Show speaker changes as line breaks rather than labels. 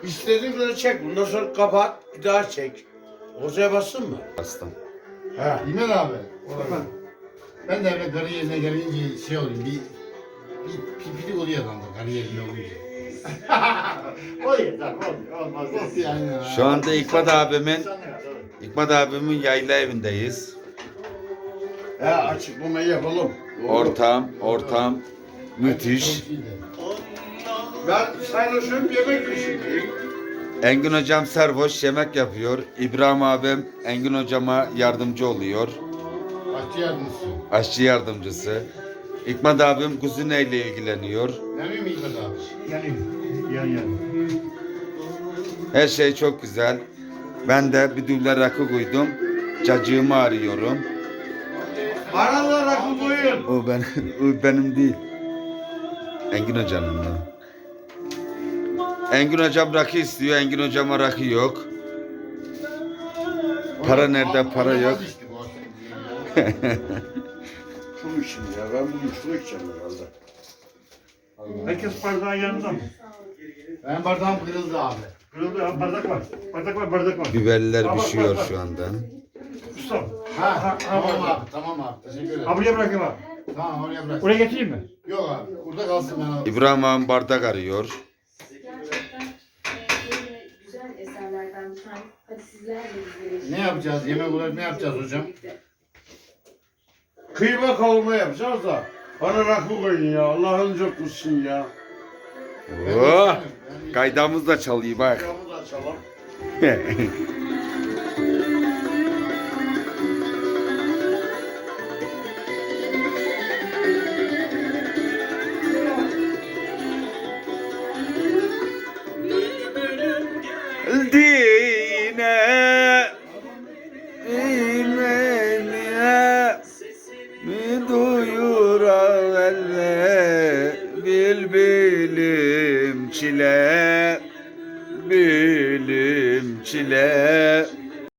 İstediğin kadar çek. Bundan sonra kapat. Bir daha çek. Ortaya bassın mı?
Bastım.
He.
İmen abi. Ben de öyle kariyerine gelince şey olayım, bir pipilik oluyor adamda kariyerine olunca.
O yeter, olmaz.
Yani,
Şu anda İkmat abimin yayla evindeyiz.
He açıklamayı yapalım. Doğru.
Ortam müthiş.
Ben sarhoşum yemek pişireyim.
Engin hocam servoş yemek yapıyor. İbrahim abim Engin hocama yardımcı oluyor.
Başçı yardımcısı.
Aşçı yardımcısı. İkmat abim kuzineyle ilgileniyor.
Yanıyor mu İlmet abi?
Yanıyor.
Her şey çok güzel. Ben de bir düğüne rakı koydum. Cacığımı arıyorum.
Bana da rakı koyun.
O benim değil. Engin hocanın o. Engin hocam rakı istiyor. Engin hocama rakı yok. Para nerede? Para yok.
İşte bu aslında.
Şunu içeyim ya. Ben bugün şunu içeceğim herhalde.
Herkes bardağın yanında mı?
Ben bardağım kırıldı abi.
Kırıldı ya, bardak var. Bardak var.
Biberler pişiyor şu anda.
Usta.
Tamam abi, tamam abi. Teşekkür ederim.
Ha buraya bırakayım abi.
Tamam oraya bırak.
Oraya getireyim mi?
Yok abi, burada kalsın ben abi.
İbrahim abim bardak arıyor.
Gerçekten böyle güzel eserlerden bir tane. Hadi sizler de bizlere.
Ne yapacağız? Yemek olarak ne yapacağız hocam?
Kıyma kavurma yapacağız da. Bana rakı koyun ya. Allah'ın çok kutsun ya.
Oh! Kaydamız da çalıyor bak.
Camı da açalım.
Dine imeniye mi duyurale bilim çile